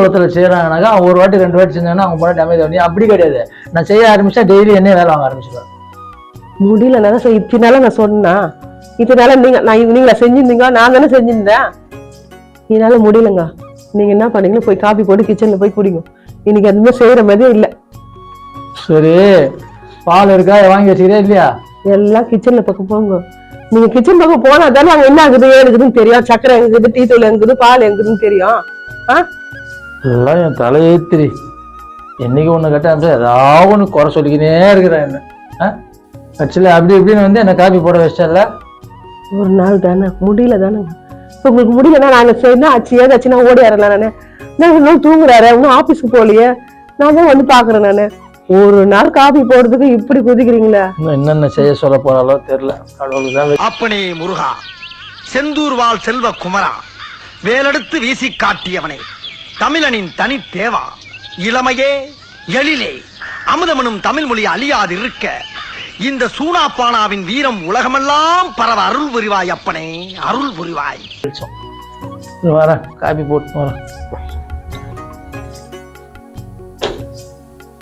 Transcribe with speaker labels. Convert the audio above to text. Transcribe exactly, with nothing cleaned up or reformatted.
Speaker 1: ஒருத்தர் செய்யறாங்கனாக்கா அவங்க ஒரு வாட்டி ரெண்டு வாட்டி செஞ்சாங்கன்னா அவங்க போன டேமேஜ் ஆகும். அப்படி கிடையாது, நான் செய்ய ஆரம்பிச்சா டெய்லி என்ன வேலை வாங்க ஆரம்பிச்சிடுவேன்.
Speaker 2: முடியலன்னா இத்தனால நான் சொன்னா இதனால நீங்க நான் நீங்களா செஞ்சிருந்தீங்க, நான் தானே செஞ்சிருந்தேன். இதனால முடியலங்க. நீங்க என்ன பண்ணீங்களோ போய் காபி போட்டு கிச்சன்ல போய் குடிங்க. இன்னைக்கு எதுவுமே செய்யற மாதிரியே இல்லை.
Speaker 1: சரி, பால் இருக்கா வாங்கி வச்சுக்கிறே இல்லையா?
Speaker 2: எல்லாம் கிச்சன்ல பக்கம் போங்க. நீங்க கிச்சன் பக்கம் போனா தானே அங்க என்ன ஆகுது ஏதுக்குதுன்னு தெரியும். சக்கரை எங்குது, டீ தூள் எங்குது, பால் எங்குதுன்னு தெரியும். ஆஹ்
Speaker 1: எல்லாம் என் தலையேத்திரி. என்னைக்கு ஒண்ணு கட்ட ஏதாவது ஒண்ணு குறை சொல்லிக்கினே இருக்கிறேன் என்ன. ஆக்சுவலி அப்படி இப்படின்னு வந்து என்ன காபி போட வச்சல.
Speaker 2: ஒரு நாள் தானே முடியல தானேங்க. உங்களுக்கு முடியலன்னா நான் செய்யணும் ஆச்சு ஏதாச்சுன்னா ஓடி வரலாம். நானு நான் இன்னும் தூங்குறாரு, இன்னும் ஆபீஸ்க்கு போகலையே, நான் தான் வந்து பாக்குறேன். நானு ஒரு நாள் காபி போடுறதுக்கு இப்படி குதிக்கிறீங்களா?
Speaker 1: இன்னும் என்னென்ன செய்ய சொல்ல போறாலோ தெரியல. கடவுளுக்கு
Speaker 3: அப்பனே முருகா, செந்தூர் வாழ் செல்வ குமரா, வேலெடுத்து வீசி காட்டியவனே, தமிழனின் தனி தேவா, இளமையே எழிலே அமுதமனும் தமிழ் மொழி அழியாது இருக்க இந்த சூனாப்பானாவின் வீரம் உலகமெல்லாம் பரவ அருள் புரிவாய் அப்பனே, அருள் புரிவாய்.
Speaker 1: வரேன், காபி போட்டு வரேன்.